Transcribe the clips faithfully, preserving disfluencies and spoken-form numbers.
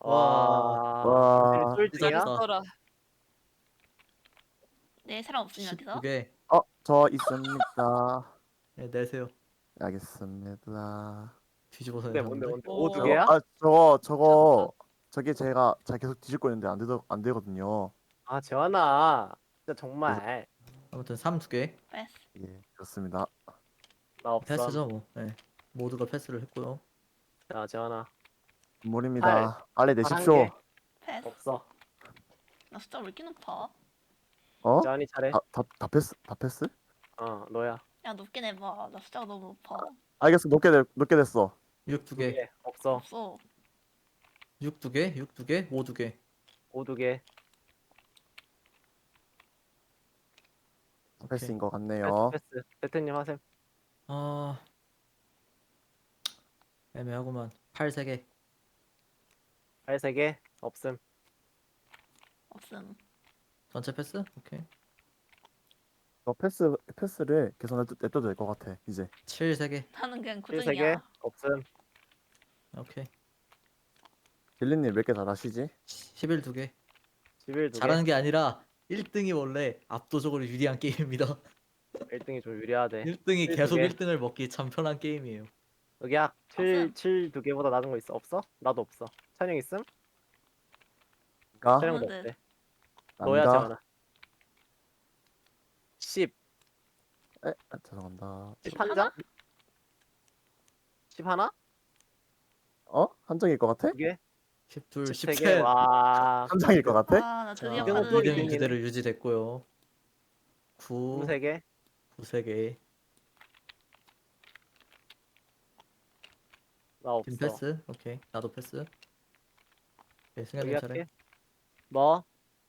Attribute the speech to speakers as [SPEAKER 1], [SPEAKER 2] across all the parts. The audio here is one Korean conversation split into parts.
[SPEAKER 1] 와,
[SPEAKER 2] 와,
[SPEAKER 1] 김슬이
[SPEAKER 3] 와,
[SPEAKER 1] 쫄등이야?
[SPEAKER 2] 찢었다.
[SPEAKER 3] 써라.
[SPEAKER 4] 네, 사람 없으면
[SPEAKER 2] 십두
[SPEAKER 4] 어디서?
[SPEAKER 2] 개.
[SPEAKER 1] 어, 저 있습니다.
[SPEAKER 2] 네, 내세요.
[SPEAKER 1] 알겠습니다.
[SPEAKER 2] 뒤집어서
[SPEAKER 1] 뭔데 뭔데
[SPEAKER 2] 내셨는데.
[SPEAKER 1] 뭔데? 오, 두
[SPEAKER 3] 오.
[SPEAKER 1] 개야?
[SPEAKER 2] 어?
[SPEAKER 1] 아, 저거 저거
[SPEAKER 3] 미쳤다.
[SPEAKER 1] 저게 제가 자 계속 뒤집고 있는데 안 되더 안 되거든요.
[SPEAKER 5] 아 재환아 진짜
[SPEAKER 1] 그래서
[SPEAKER 5] 정말
[SPEAKER 2] 아무튼 삼 두 개.
[SPEAKER 4] 패스.
[SPEAKER 1] 예, 그렇습니다.
[SPEAKER 5] 나 없어.
[SPEAKER 2] 패스죠 뭐. 네. 모두가 패스를 했고요.
[SPEAKER 5] 자 재환아
[SPEAKER 1] 물입니다. 빨리
[SPEAKER 5] 팔 한
[SPEAKER 1] 내십시오.
[SPEAKER 5] 개.
[SPEAKER 4] 패스.
[SPEAKER 5] 없어.
[SPEAKER 4] 나 숫자 왜 이렇게 높아?
[SPEAKER 1] 어?
[SPEAKER 5] 재환이 차례.
[SPEAKER 1] 다, 다, 다 패스? 다 패스?
[SPEAKER 5] 어 너야.
[SPEAKER 4] 야, 높게 내봐. 나 숫자가 너무 높아.
[SPEAKER 1] 알겠어. 높게 돼, 높게 됐어.
[SPEAKER 2] 육 두
[SPEAKER 5] 두
[SPEAKER 2] 개.
[SPEAKER 5] 개. 없어.
[SPEAKER 4] 없어.
[SPEAKER 2] 육 두 개. 육 두 개. 오 두 개.
[SPEAKER 5] 오 두 개.
[SPEAKER 1] 패스인 것
[SPEAKER 5] 패스
[SPEAKER 1] 같네요.
[SPEAKER 5] 패스. 대태님 하셈.
[SPEAKER 2] 아, 애매하구만. 팔 세 개.
[SPEAKER 5] 팔 세 개. 없음.
[SPEAKER 4] 없음.
[SPEAKER 2] 전체 패스? 오케이.
[SPEAKER 1] 저 패스 패스를 계속 냅둬- 냅둬도 될 것 같아. 이제
[SPEAKER 2] 칠 세 개.
[SPEAKER 4] 나는 그냥
[SPEAKER 5] 칠 세 개.
[SPEAKER 4] 고정이야.
[SPEAKER 5] 없음.
[SPEAKER 2] 오케이.
[SPEAKER 1] 딜리님 몇 개 잘하시지?
[SPEAKER 2] 십일 두 개.
[SPEAKER 5] 십일 두 개.
[SPEAKER 2] 잘하는 게 아니라 일 등이 원래 압도적으로 유리한 게임입니다.
[SPEAKER 5] 일 등이 좀 유리하대.
[SPEAKER 2] 일 등이
[SPEAKER 5] 칠
[SPEAKER 2] 계속
[SPEAKER 5] 두 개.
[SPEAKER 2] 일 등을 먹기 참 편한 게임이에요.
[SPEAKER 5] 여기야. 칠
[SPEAKER 4] 없음.
[SPEAKER 5] 칠 두 개보다 낮은 거 있어? 없어? 나도 없어. 찬영 있음?
[SPEAKER 1] 가
[SPEAKER 5] 찬영도
[SPEAKER 4] 없는데.
[SPEAKER 5] 없대. 너야
[SPEAKER 1] 납니다.
[SPEAKER 5] 재환아. 십.
[SPEAKER 1] 에, 아, 죄송합니다.
[SPEAKER 5] 십 한 장? 십 하나?
[SPEAKER 1] 어? 한 장일 것 같아?
[SPEAKER 5] 두 개?
[SPEAKER 2] 십이,
[SPEAKER 5] 십 세 개?
[SPEAKER 2] 십삼.
[SPEAKER 5] 와.
[SPEAKER 1] 한 장일 것 같아?
[SPEAKER 4] 아, 나
[SPEAKER 2] 자,
[SPEAKER 4] 드디어
[SPEAKER 5] 이등은 또
[SPEAKER 4] 카드.
[SPEAKER 2] 이 등
[SPEAKER 5] 이등이네.
[SPEAKER 2] 그대로 유지됐고요. 구,
[SPEAKER 5] 구 세 개?
[SPEAKER 2] 구 세 개.
[SPEAKER 5] 나
[SPEAKER 2] 팀
[SPEAKER 5] 없어.
[SPEAKER 2] 패스. 오케이. 나도 패스. 오케이, 승현님
[SPEAKER 5] 여기
[SPEAKER 2] 차례.
[SPEAKER 5] 할게. 뭐?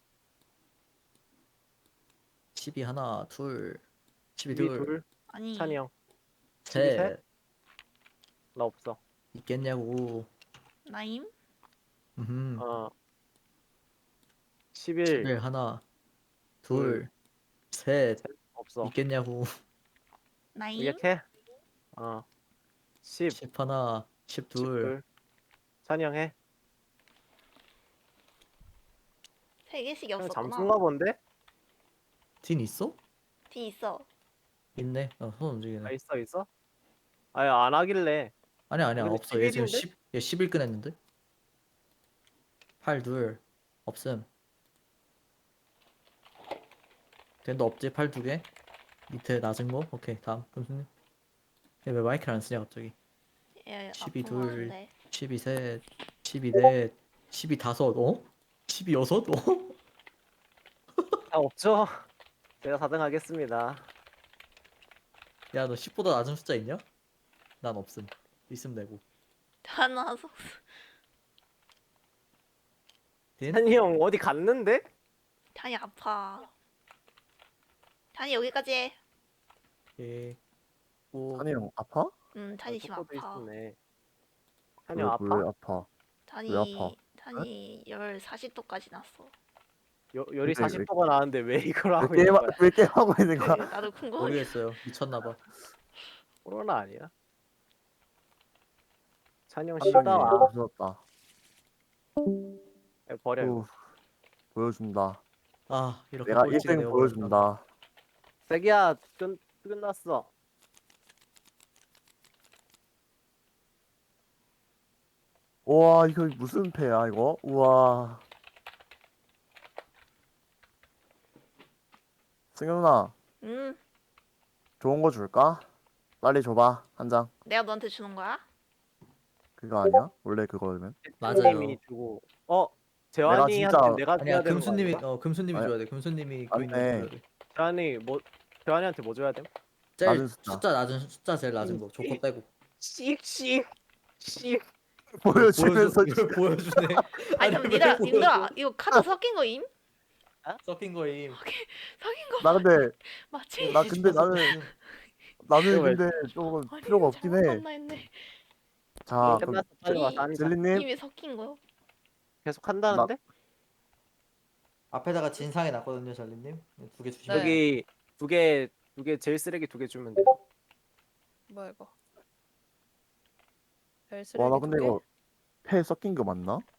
[SPEAKER 2] 십이 하나, 둘, 십이
[SPEAKER 5] 십이
[SPEAKER 2] 둘,
[SPEAKER 5] 둘.
[SPEAKER 4] 아니.
[SPEAKER 5] 찬이 형. 십이
[SPEAKER 2] 셋.
[SPEAKER 5] 셋? 나 없어.
[SPEAKER 2] 있겠냐고.
[SPEAKER 4] 나임?
[SPEAKER 2] 음.
[SPEAKER 5] 어. 십일.
[SPEAKER 2] 십일 하나,
[SPEAKER 5] 둘,
[SPEAKER 2] 둘, 셋.
[SPEAKER 5] 없어.
[SPEAKER 2] 있겠냐고.
[SPEAKER 4] 나임?
[SPEAKER 5] 이렇게? 어. 십.
[SPEAKER 2] 십 하나, 십이.
[SPEAKER 5] 십둘. 찬이 형 해.
[SPEAKER 4] 세 개씩
[SPEAKER 5] 형
[SPEAKER 4] 없었구나.
[SPEAKER 5] 잠수인가 본데?
[SPEAKER 2] 딘 있어?
[SPEAKER 4] D 있어.
[SPEAKER 2] 있네. 어, 손 움직이네.
[SPEAKER 5] 아 있어 있어? 아니 안 하길래.
[SPEAKER 2] 아니야, 아니야.
[SPEAKER 5] 근데
[SPEAKER 2] 없어. 얘 지금
[SPEAKER 5] 십일인데?
[SPEAKER 2] 십, 얘 십일 끈했는데? 팔 둘. 없음. 딘도 없지? 팔 두 개. 밑에 낮은 거? 오케이. 다음. 금수님. 얘왜 마이크를 안 쓰냐, 갑자기.
[SPEAKER 4] 얘
[SPEAKER 2] 십이
[SPEAKER 4] 아픈 거
[SPEAKER 2] 둘.
[SPEAKER 4] 하는데.
[SPEAKER 2] 십이 셋. 십이 넷. 십이 다섯. 어? 십이 여섯? 어?
[SPEAKER 5] 아 없죠? 제가 사 등 하겠습니다.
[SPEAKER 2] 야, 너 십보다 낮은 숫자 있냐? 난 없음. 있으면 되고.
[SPEAKER 4] 하나 서
[SPEAKER 2] 딘?
[SPEAKER 5] 찬이 형 어디 갔는데?
[SPEAKER 4] 단이 아파. 단이 여기까지 해.
[SPEAKER 2] 예. 오.
[SPEAKER 1] 찬이 형 아파?
[SPEAKER 4] 음, 단이 지금
[SPEAKER 5] 속도도
[SPEAKER 4] 아파.
[SPEAKER 5] 있었네. 찬이
[SPEAKER 1] 왜,
[SPEAKER 5] 형 아파?
[SPEAKER 1] 왜 아파? 왜
[SPEAKER 4] 단이
[SPEAKER 1] 아파?
[SPEAKER 4] 단이 열 사십 도까지 났어.
[SPEAKER 5] 여, 열이
[SPEAKER 1] 왜, 왜-
[SPEAKER 5] 사십 도가 나왔는데 왜 이걸
[SPEAKER 1] 왜
[SPEAKER 5] 하고
[SPEAKER 1] 게임
[SPEAKER 5] 있는 거야?
[SPEAKER 1] 왜 게임 하고 있는 거야?
[SPEAKER 4] 나도 궁금해.
[SPEAKER 2] 모르겠어요. 미쳤나봐.
[SPEAKER 5] 코로나 아니야? 찬이 형
[SPEAKER 1] 한
[SPEAKER 5] 쉬다
[SPEAKER 1] 장이
[SPEAKER 5] 와.
[SPEAKER 1] 없어졌다.
[SPEAKER 5] 야, 버려 이거.
[SPEAKER 1] 후, 보여준다.
[SPEAKER 2] 아, 이렇게
[SPEAKER 1] 내가
[SPEAKER 2] 꼴찌가
[SPEAKER 1] 일 등
[SPEAKER 2] 되어버렸다.
[SPEAKER 1] 보여준다.
[SPEAKER 5] 세기야 끝 끝났어.
[SPEAKER 1] 우와, 이거 무슨 패야 이거? 우와. 승현 누나,
[SPEAKER 4] 음,
[SPEAKER 1] 좋은 거 줄까? 빨리 줘봐, 한 장.
[SPEAKER 4] 내가 너한테 주는 거야?
[SPEAKER 1] 그거 아니야? 원래 그거면?
[SPEAKER 2] 맞아요.
[SPEAKER 5] 님이 주고. 어 재환이한테
[SPEAKER 1] 진짜-
[SPEAKER 5] 내가
[SPEAKER 2] 아니야,
[SPEAKER 5] 줘야 되는 거
[SPEAKER 2] 금수님이
[SPEAKER 5] 아닌가?
[SPEAKER 2] 어 금수님이
[SPEAKER 1] 아니,
[SPEAKER 2] 줘야 돼. 금수님이
[SPEAKER 1] 안
[SPEAKER 2] 교인님한테
[SPEAKER 1] 돼.
[SPEAKER 2] 줘야 돼.
[SPEAKER 5] 재환이 뭐 재환이한테 뭐 줘야 돼?
[SPEAKER 2] 제일
[SPEAKER 1] 낮은 숫자.
[SPEAKER 2] 숫자 낮은 숫자 제일 낮은 거. 조커 빼고.
[SPEAKER 5] 씩씩 씩.
[SPEAKER 1] 보여주면서
[SPEAKER 2] 보여주, 보여주네.
[SPEAKER 4] 아니,
[SPEAKER 2] 왜
[SPEAKER 4] 그럼 니들아,
[SPEAKER 2] 보여줘?
[SPEAKER 4] 님들아, 이거 카드 섞인 거임?
[SPEAKER 2] 섞인 거임.
[SPEAKER 4] 섞인 거
[SPEAKER 1] 나 근데
[SPEAKER 4] 맞지?
[SPEAKER 1] 나 근데 나는 나는
[SPEAKER 5] 이거 왜-
[SPEAKER 1] 근데 조금
[SPEAKER 4] 아니,
[SPEAKER 1] 필요가 없긴
[SPEAKER 4] 잘못
[SPEAKER 1] 해.
[SPEAKER 4] 봤나 했네.
[SPEAKER 1] 자,
[SPEAKER 5] 끝났어.
[SPEAKER 1] 그럼
[SPEAKER 5] 빨리
[SPEAKER 4] 이-
[SPEAKER 5] 와서 앉아.
[SPEAKER 1] 젤리님
[SPEAKER 4] 이미 섞인 거요?
[SPEAKER 5] 계속 한다는데?
[SPEAKER 2] 앞에다가 진상이 났거든요, 잘리님. 두 개 주시면.
[SPEAKER 4] 네.
[SPEAKER 5] 여기 두 개 두 개 제일 쓰레기 두 개 주면 돼.
[SPEAKER 3] 뭐야 이거? 별
[SPEAKER 1] 와, 나
[SPEAKER 3] 쓰레기
[SPEAKER 1] 근데
[SPEAKER 3] 두 개?
[SPEAKER 1] 이거 패 섞인 거 맞나?